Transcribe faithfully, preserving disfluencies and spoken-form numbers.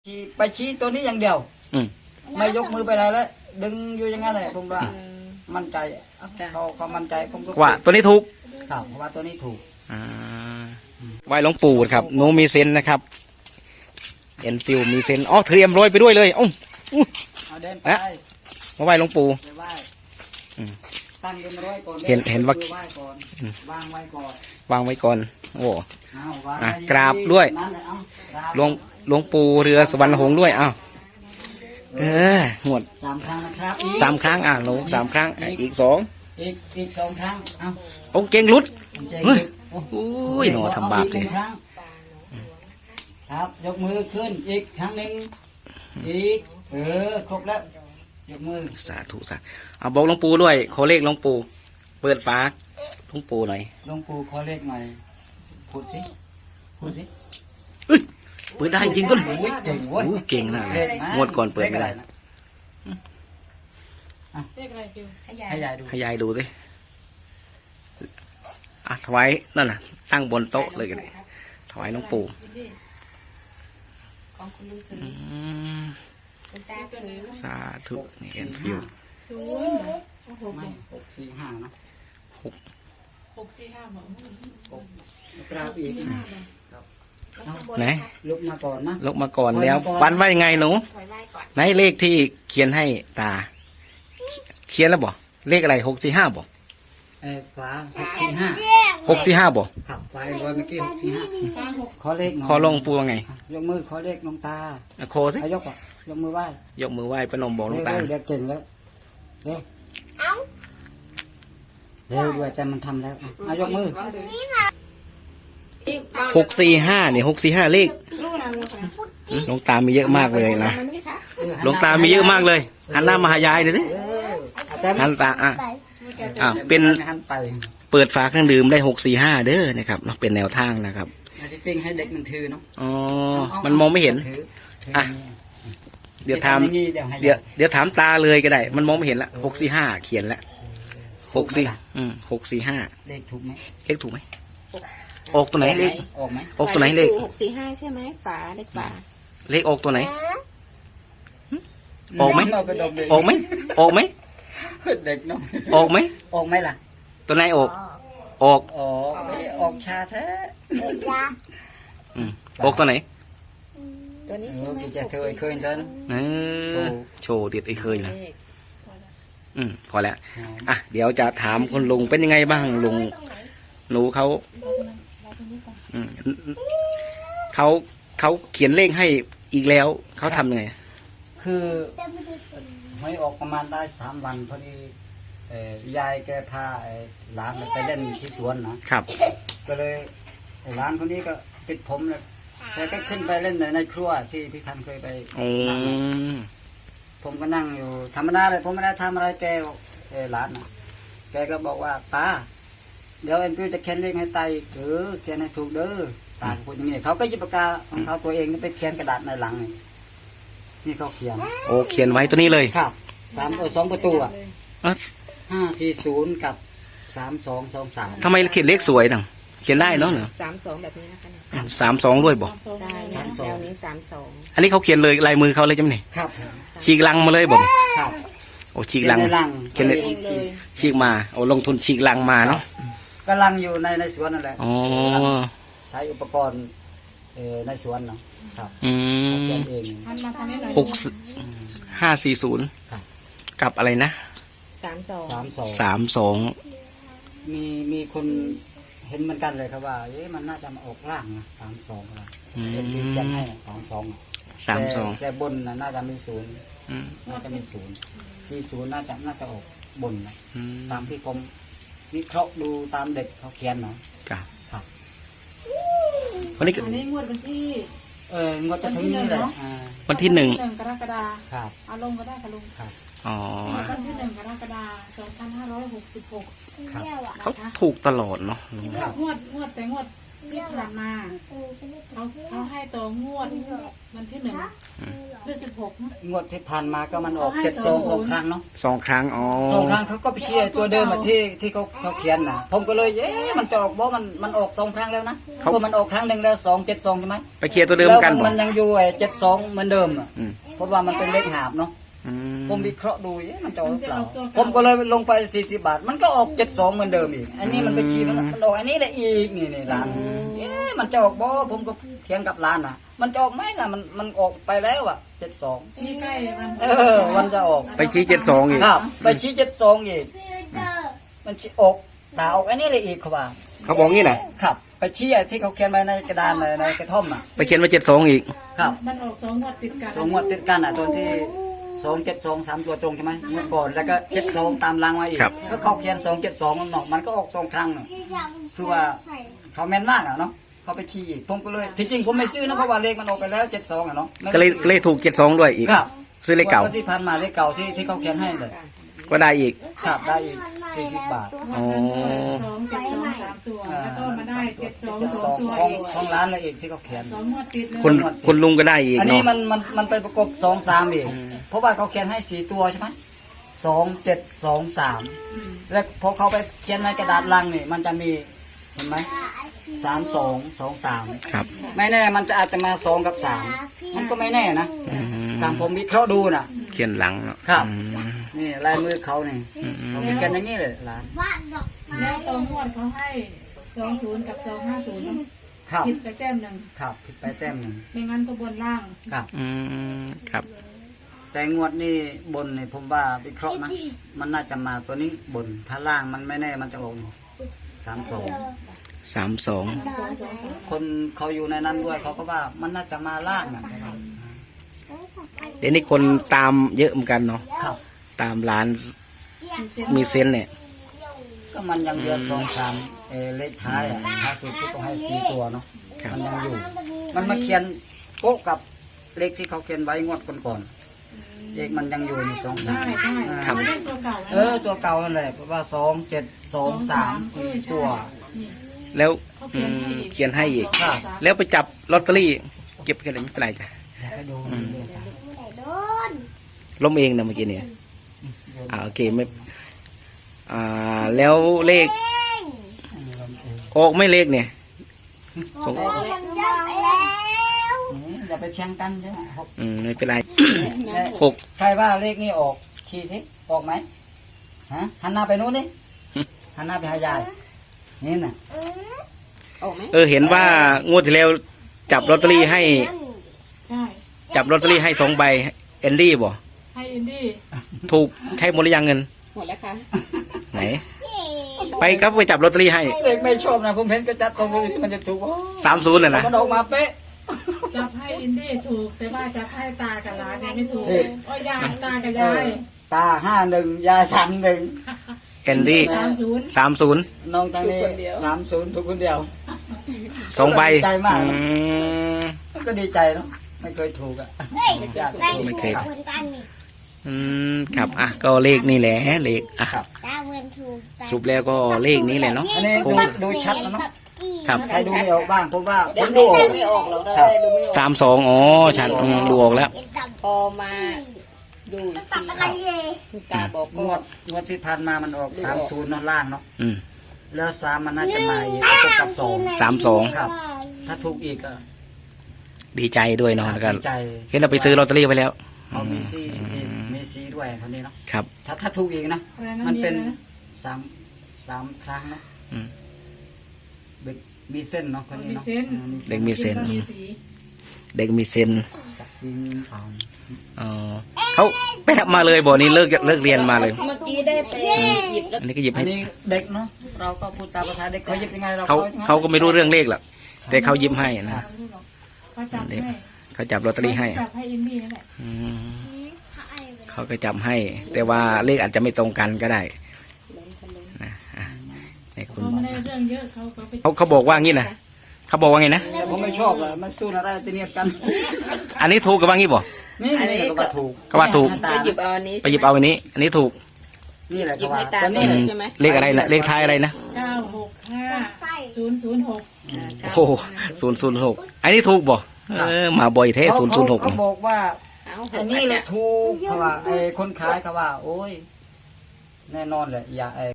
ชี้ไปชี้ตัวนี้อย่างเดียวไม่ยกมือไปไหนแล้วดึงอยู่อย่างนั้นเลยผมว่ามั่นใจเขาเขามั่นใจผมก็ว่าตัวนี้ถูกครับเพราะว่าตัวนี้ถูกไหวหลวงปู่ครับหนูมีเซนนะครับเอ็นฟิวมีเซนอ๋อเตรียมโรยไปด้วยเลยอ๋อเอาเดินไปมาไหวหลวงปู่ตั้งเดินร้อยก่อนเห็นเห็นว่าวางไว้ก่อนวางไว้ก่อนโอ้กราบด้วยหลวงหลวงปู่เรือสวรรค์หงส์ด้วยอ้าวเออหมดสามครั้งนะครับสามครั้งอ่ะหนูสามครั้งอีกสองอีกอีกสองครั้งเอาองเก่งรุดเฮ้ยโอ้ยหนูทำบาปสิครับยกมือขึ้นอีกครั้งหนึ่งอีกเออครบแล้วยกมือสาธุสาเอาบอกหลวงปู่ด้วยขอเลขหลวงปู่เปิดฝาหลวงปู่หน่อยหลวงปู่ขอเลขหน่อยพูดสิพูดสิเปิดได้จริงก็เลยเก่งเว้ยเก่งนะงวดก่อนเปิดไม่ได้ให้ยายดูให้ยายดูสิอ่ะถวายนั่นน่ะตั้งบนโต๊ะเลยกันเลยถวายหลวงปู่สาธุนี่เอ็นฟิวไม่หกสี่ห้านะหกหกสี่ห้าหมดกราบอีกไหนลุกมาก่อนนะลุกมาก่อนแล้วปันว่ายังไงหนูไหนเลขที่เขียนให้ตาเขียนแล้วบ่เลขอะไรหกสี่ห้าบ่เออฟ้าหกสี่ห้าหกสี่ห้าบ่ขับไปร้อยเมื่อกี้หกสี่ห้าขอเลขขอลงปูว่าไงยกมือขอเลขลงตาโคสิยกยกมือไหว้ยกมือไหว้พนมบอกลงตาเด็กเก่งแล้วเด็กเร็วด้วยใจมันทำแล้วเอายกมือหกสี่ห้าเนี่ยหกสี่ห้าเลขหลวงตามีเยอะมากเลยนะหลวงตามีเยอะมากเลยหันหน้ามาหายายหน่อยสิหันตาอ่ะอ่ะเป็นเปิดฝาเครื่องดื่มได้หกสี่ห้าเด้อนะครับเนาะเป็นแนวทางนะครับจริงให้เด็กมันถือเนาะอ๋อมันมองไม่เห็นอ่ะเดี๋ยวถามเดี๋ยวเดี๋ยวถามตาเลยก็ได้มันมองไม่เห็นละหกสี่ห้าเขียนละหกสี่อืมหกสี่ห้าเลขถูกไหมเลขถูกไหมออกตัวไหนเลขออกไหมออกตัวไหนเลขหกสี่ห้าใช่ไหมฝาเลขฝาเลขออกตัวไหนออกไหมออกไหมออกไหมเด็กเนาะออกไหมออกไหมล่ะตัวไหนออกออกออกออกชาแท้อืมออกตัวไหนตัวนี้ใช่ไหมจะเคยเคยเดินเออโชว์เด็ดไอ้เคยนะอืมพอแล้วอ่ะเดี๋ยวจะถามคุณลุงเป็นยังไงบ้างลุงหนูเขาเขาเขาเขียนเลขให้อีกแล้วเขาทำยังไงคือไม่ออกประมาณได้สามวันพอดียายแกพาหลานไปเล่นที่สวนนะครับก็เลยหลานคนนี้ก็ติดผมเลยแกก็ขึ้นไปเล่นในครัวที่พี่ทันเคยไปผมก็นั่งอยู่ธรรมดาเลยผมไม่ได้ทำอะไรแกหลานนะแกก็บอกว่าตาเดี๋ยวเอ็นพิวจะเขียนเลขให้ตาอีกเออเขียนให้ถูกเด้อตาพูดอย่างนี้เขาก็หยิบปากกาของเขาตัวเองนี่ไปเขียนกระดาษในหลังนี่เขาเขียนโอ้เขียนไว้ตัวนี้เลยครับสามเออสองประตูอ่ะห้าสี่ศูนย์กับสามสองสองสามทำไมเขียนเลขสวยจังเขียนได้เนาะสามสองแบบนี้นะคะสามสองด้วยบอกใช่แนวนี้สามสองอันนี้เขาเขียนเลยลายมือเขาเลยจำเนี่ยครับฉีกลังมาเลยบอกครับโอ้ฉีกลังเขียนเลยฉีกมาโอ้ลงทุนฉีกลังมาเนาะก็ลังอยู่ในในสวนนั่นแหละอ๋อใช้อุปกรณ์ในสวนเนาะครับอืมหกห้าสี่ศูนย์กับอะไรนะสามสองสามสองสามสองมีมีคนเห็นเหมือนกันเลยครับว่าเอ๊ะมันน่าจะมาออกล่างนะสามสองอะไรเอ็นดีจะให้สามสองสามสองแต่บนน่าจะมีศูนย์น่าจะมีศูนย์สี่ศูนย์น่าจะน่าจะออกบนนะตามที่ผมวิเคราะห์ดูตามเด็กเขาเขียนเนาะครับครับวันนี้อันนี้งวดวันที่เอองวดจะถึงนี้เลยวันที่หนึ่งกรกฎาคมครับเอาลงก็ได้ค่ะลุงครับอ๋อวันที่หนึ่งกรกฎาคมสองพันห้าร้อยหกสิบหกเขาถูกตลอดเนาะงวดงวดแต่งวดที่ผ่านมาเขาเขาให้ตัวงวดวันที่หนึ่งหรือสิบหกงวดที่ผ่านมาก็มันออกเจ็ดสองสองครั้งเนาะสองครั้งอ๋อสองครั้งเขาก็ไปเชียร์ตัวเดิมอะที่ที่เขาเขาเขียนนะผมก็เลยเอ๊ะมันจะออกบ่มันมันออกสองครั้งแล้วนะเพราะมันออกครั้งหนึ่งแล้วสองเจ็ดสองใช่ไหมไปเคลียร์ตัวเดิมกันแล้วบ่มันยังอยู่ไอ้เจ็ดสองเหมือนเดิมอะอืมเพราะว่ามันเป็นเลขหาบเนาะอืมผมวิเคราะห์ดูเอ๊ะมันจะออกหรือเปล่าผมก็เลยลงไปสี่สิบบาท มันก็ออกเจ็ดสองเหมือนเดิมอีกอันนี้มันไปชี้มันมันออกอันนี้แหละอีกนี่นี่ร้านเอ๊ะมันจะออกบ่ผมก็เถียงกับร้านน่ะ มันจะออกไหมล่ะมันมันออกไปแล้วอ่ะเจ็ดสองชี้ใกล้วันเออมันจะออกไปชี้เจ็ดสองอีกครับไปชี้เจ็ดสองอีกมันชี้ออกตาออกอันนี้เลยอีกเขาว่าเขาบอกงี้นะครับ ไปชี้ไอ้ที่เขาเขียนไว้ในกระดานในในกระท่อมอ่ะไปเขียนมาเจ็ดสองอีกครับมันออกสองงวดติดกันสองงวดติดกันอ่ะตัวที่สองเจ็ดสองสามตัวตรงใช่ไหมเมื่อก่อนแล้วก็เจ็ดสองตามรางมาอีกก็เขาเขียนสองเจ็ดสองมันออกมันก็ออกสองครั้งน่ะคือว่าเขาแม่นมากอ่ะเนาะเขาไปชี้อีกผมก็เลยที่จริงผมไม่ซื้อนะเพราะว่าเลขมันออกไปแล้วเจ็ดสองอ่ะเนาะก็เลยก็เลยถูกเจ็ดสองด้วยอีกครับซื้อเลขเก่างวดที่ผ่านมาเลขเก่าที่ที่เขาเขียนให้เลยก็ได้อีกครับได้อีกสี่สิบบาทอ๋อสองเจ็ดสองสามตัวแล้วก็มาได้เจ็ดสองเจ็ดสสออง งตัวของอีกของร้านเลยอีกที่เขาเขียนสองงวดติดเลยคุณคุณลุงก็ได้อีกอันนี้เนาะมันมันมันไปประกบสองสามอีกเพราะว่าเขาเขียนให้สี่ตัวใช่ไหมสองเจ็ดสองสามแล้วพอเขาไปเขียนในกระดาษลังนี่มันจะมีเห็นไหมสามสองสองสามครับไม่แน่มันจะอาจจะมาสองกับสามมันก็ไม่แน่นะอืมตามผมวิเคราะห์ดูนะเขียนหลังเนาะครับอืมนี่ลายมือเขานี่เขาไปเขียนอย่างนี้เลยร้านแล้วตัวงวดเขาให้สองศูนย์กับสองห้าศูนย์ครับผิดไปแต้มหนึ่งครับผิดไปแต้มหนึ่งไม่งั้นก็บนล่างครับอืมครับแต่งวดนี้บนนี่ผมว่าวิเคราะห์นะมันน่าจะมาตัวนี้บนถ้าล่างมันไม่แน่มันจะออกสามสองสามสองสองสองสามคนเขาอยู่ในนั้นด้วยเขาก็ว่ามันน่าจะมาล่างอ่ะเดี๋ยวนี้คนตามเยอะเหมือนกันเนาะครับตามร้านมีเส้นมีเซนส์เนี่ยก็มันยังเหลือสองสามเออเลขท้ายอ่ะท้ายสุดที่ต้องให้สี่ตัวเนาะมันยังอยู่ มันมาเขียนโป๊ะกับเลขที่เขาเขียนไว้งวดก่อนๆเลขมันยังอยู่ในสองสาใช่มใช่ครับเขาเล่นตัวเก่าเออตัวเก่านั่นแหละเพราะว่าสองเจ็ดสองสามสี่ตัวนี่แล้วเขาอืเขียนให้มอีกเขียนให้อีกสองสามแล้วไปจับลอตเตอรี่ เก็บกันไม่เป็นไรจ้ะให้ดูล้มเองนะเมื่อกี้เนี่ยอ่าโอเคไม่อ่าแล้วเลขออกไม่เลขเนี่ยสงอย่าไปเชียงกันใช่ไหมอืมไม่เป็นไรหกใครว่าเลขนี้ออกชี้สิออกไหมฮะหันหน้าไปนู้นนี่หันหน้าไปหายายนี่น่ะเออเห็นว่างวดที่แล้วจับลอตเตอรี่ให้ใช่จับลอตเตอรี่ให้สองใบเอนดี้บ่ให้อินดี้ถูกใช้หมดหรือยังเงินหมดแล้วค่ะไหน ไปครับไปจับลอตเตอรี่ให้เลขไม่ชอบนะผมเห็นกระจัดตรงนี้มันจะถูกสามศูนย์เลยนะมันออกมาเป๊ะจับให้อินดี้ถูกแต่ว่าจับให้ตากับหลานยังไม่ถูกโอ้ยยายตากับยายตาห้าหนึ่งยาสามหนึ่งเอนดี้สามศูนย์สามศูนย์น้องทางนี้สามศูนย์ทุกคนเดียวสองใบใจมากอืมก็ดีใจเนาะไม่เคยถูกอ่ะอยากถูกไม่เคย อืมครับอ่ะก็เลขนี่แหละเลขอ่ะครับสรุปแล้วก็เลขนี้แหละเนาะอันนี้ดูดูชัดแล้วเนาะครับใครดูไม่ออกบ้างผมว่าผมดูออกไม่ออกหรอกครับได้ดูไม่ออกสามสองอ๋อชัดอืมดูออกแล้วพอมาดูอีกทีคุณตาบอกงก็วดงวดที่ผ่านมามันออกสามศูนย์เนาะล่างเนาะอืมแล้วสามมันน่าจะมาอีกประกบกับสองสามสองครับ ถ้าถูกอีกก็ดีใจด้วยเนาะแล้วก็ดีใจเห็นเราไปซื้อลอตเตอรี่ไปแล้วเขามีซีมีมีซีด้วยคนนี้เนาะครับถ้าถ้าถูกอีกนะอะไรนะมันเป็นมีอะไรนะสามสามครั้งเนาะอืมเด็กมีเส้นเนาะคนนี้มีเนาะเส้นอืมเด็กมีเซนก็มีสีเด็กมีเซนสักซีมีขาวอ๋อเขาไปทำมาเลยบ่นี่เลิกเลิกเรียนมาเลยเมื่อกี้ได้ไปหยิบแล้วอันนี้ก็หยิบอัให้นนี้เด็กเนาะเราก็พูดตามภาษาเด็กเขาหยิบยังไงเราเขาเขาก็ไม่รู้เรื่องเลขหรอกแต่เขาหยิบให้นะเขาจับให้เขาจับลอตเตอรี่ให้จับให้อินดี้นั่นแหละอืมเขาก็จับให้ แต่ว่าเลขอาจจะไม่ตรงกันก็ได้นะอ่ะให้คุณเขาไม่ได้เรื่องเยอะเขาเขาไปเขาเขาบอกว่างี้นะเขาบอกว่าไงนะแต่ผมไม่ชอบอะมันสู้อะไรจะเนียดกันอันนี้ถูกกับว่างี้บ่นี่นี่ก็ว่าถูกก็ว่าถูกไปหยิบเอาอันนี้ไปหยิบเอาอันนี้ อันนี้ถูกนี่แหละหยิก็บว่าให้ตาแต่นี่นี่ใช่ไหมเลขอะไรนะเลขท้ายอะไรนะเก้าหกห้าศูนย์ศูนย์หกโอ้โหศูนย์ศูนย์หกอันนี้ถูกบ่เออมาบ่อยแท้ศูนย์ศูนย์หกเขาบอกว่าเอาอันนี้แหละถูกเขาว่าไอ้คนขายเขาว่า โอ้ย แน่นอนแหละอย่าไอ้